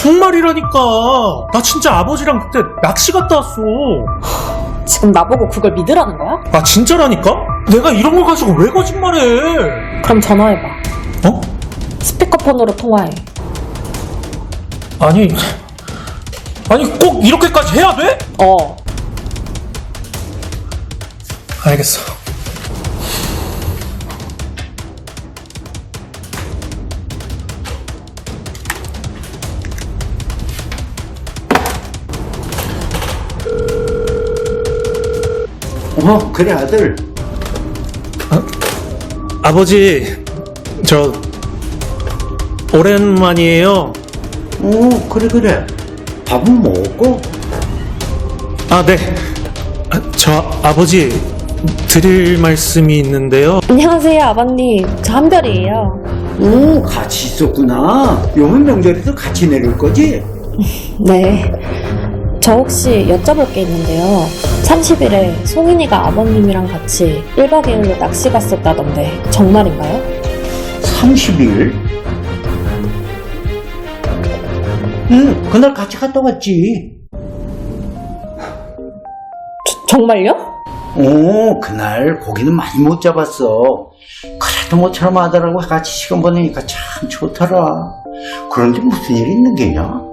정말이라니까. 나 진짜 아버지랑 그때 낚시 갔다 왔어. 지금 나보고 그걸 믿으라는 거야? 아, 진짜라니까? 내가 이런 걸 가지고 왜 거짓말해? 그럼 전화해봐. 어? 스피커폰으로 통화해. 아니 꼭 이렇게까지 해야 돼? 알겠어. 그래 아들. 아버지, 저 오랜만이에요. 그래. 밥은 먹고? 아, 네. 저 아버지 드릴 말씀이 있는데요. 안녕하세요, 아버님. 저 한별이에요. 같이 있었구나. 요번 명절에도 같이 내릴 거지? 네. 저 혹시 여쭤볼 게 있는데요. 30일에 송인이가 아버님이랑 같이 1박 2일로 낚시 갔었다던데 정말인가요? 30일? 그날 같이 갔다 왔지. 정말요? 그날 고기는 많이 못 잡았어. 그래도 모처럼 아들하고 같이 시간 보내니까 참 좋더라. 그런데 무슨 일 있는 게냐?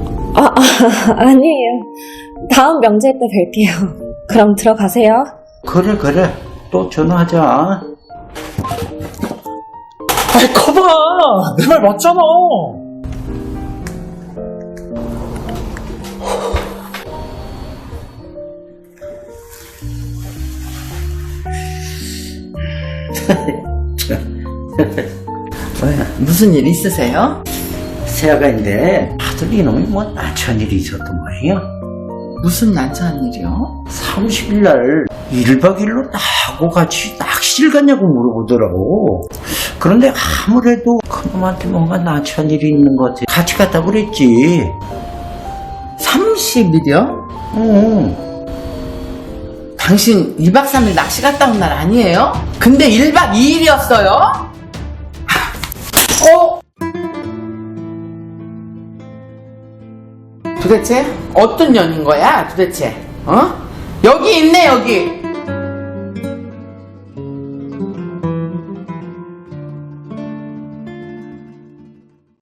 아니에요. 다음 명절 때 뵐게요. 그럼 들어가세요. 그래. 또 전화하자. 아이, 커봐. 내 말 맞잖아. 무슨 일 있으세요? 새아가인데 아들 이놈이 뭐 난처한 일이 있었단 말이야. 무슨 난처한 일이요? 30일 날 1박 2일로 나하고 같이 낚시를 갔냐고 물어보더라고. 그런데 아무래도 그놈한테 뭔가 난처한 일이 있는 것 같아. 같이 갔다고 그랬지. 30일이요? 당신 2박 3일 낚시 갔다 온 날 아니에요? 근데 1박 2일이었어요? 도대체 어떤 년인 거야 도대체? 여기 있네 여기.